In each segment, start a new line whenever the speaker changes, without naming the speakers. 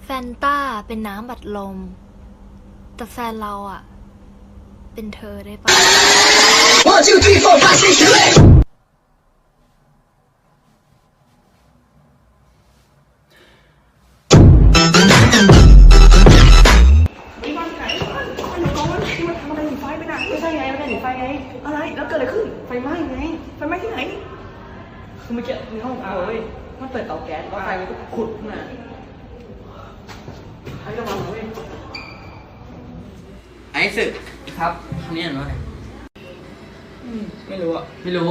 แฟนต้าเป็นน้ำบัดลมแต่แฟนเราอ่ะเป็นเธอได้ปะ
อะไรแล้วเกิดอะไรขึ้นไฟไหม้ไงไฟไหม้ที่ไหนคือเมื่อกี้ในห้องเอาเว้ยมันเปิดเตาแก๊สแล้วไฟมันก็ขุดมาใช้ระวังเว้ย
ไอ้สึกครับคำนี้อ่านว่าอะไร
ไม่รู้อ่ะ
ไม่รู้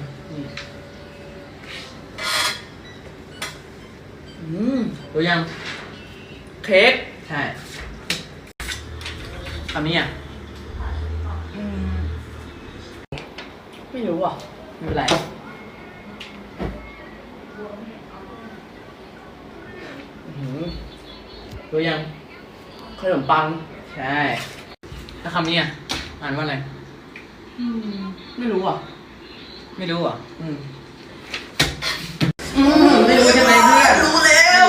รู้ยัง
เค้ก
ใช่คำนี้อ่ะ
ไม่รู้อ่ะ
ไม่เป็นไรรู้ยัง
ขนมปัง
ใช่แล้วคำนี้อ่ะอ่านว่าอะไร
ไม่รู้อ่ะ
ไม่รู้อ่ะ
ไม่รู้ใช่ไหมเพื่อนรู้แล้ว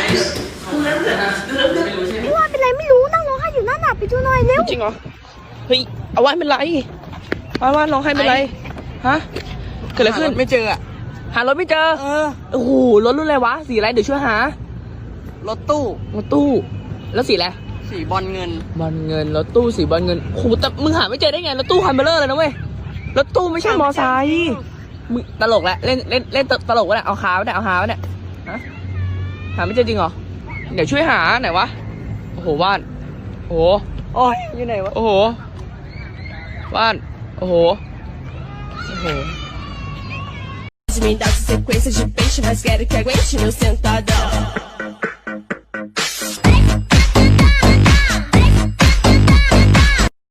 ไม่รู้ใช่ไหม
พี่ว่าเป็นไรไม่รู้นั่งร้องไห้อยู่นั่นน่ะไปดูหน่อยเร็ว
จริงเหรอเฮ้ยเอาว่าเป็นไรว่าร้องไห้เป็นไรฮะเกิดอะไรขึ้นไม่เจออะหารถไม่เจอโอ้โหรถรุ่นอะไรวะสีอะไรเดี๋ยวช่วยหารถตู้แล้วสีอะไรสีบอลเงินรถตู้สีบอลเงินโอ้โหแต่มึงหาไม่เจอได้ไงรถตู้คันเบลเลอร์เลยนะเว้ยรถตู้ไม่ใช่มอไซค์มึงตลกแล้วเล่นตลกวะเนี่ยเอาขาวะเนี่ยเอาหาวะเนี่ยฮะหาไม่เจอจริงเหรอเดี๋ยวช่วยหาไหนวะโอ้โหว่านโอ้โหโอ้ยอยู่ไหนวะโอ้โหว่านโอ้โห
Me dá sequência de peixe, mas quero que aguente meu sentadão.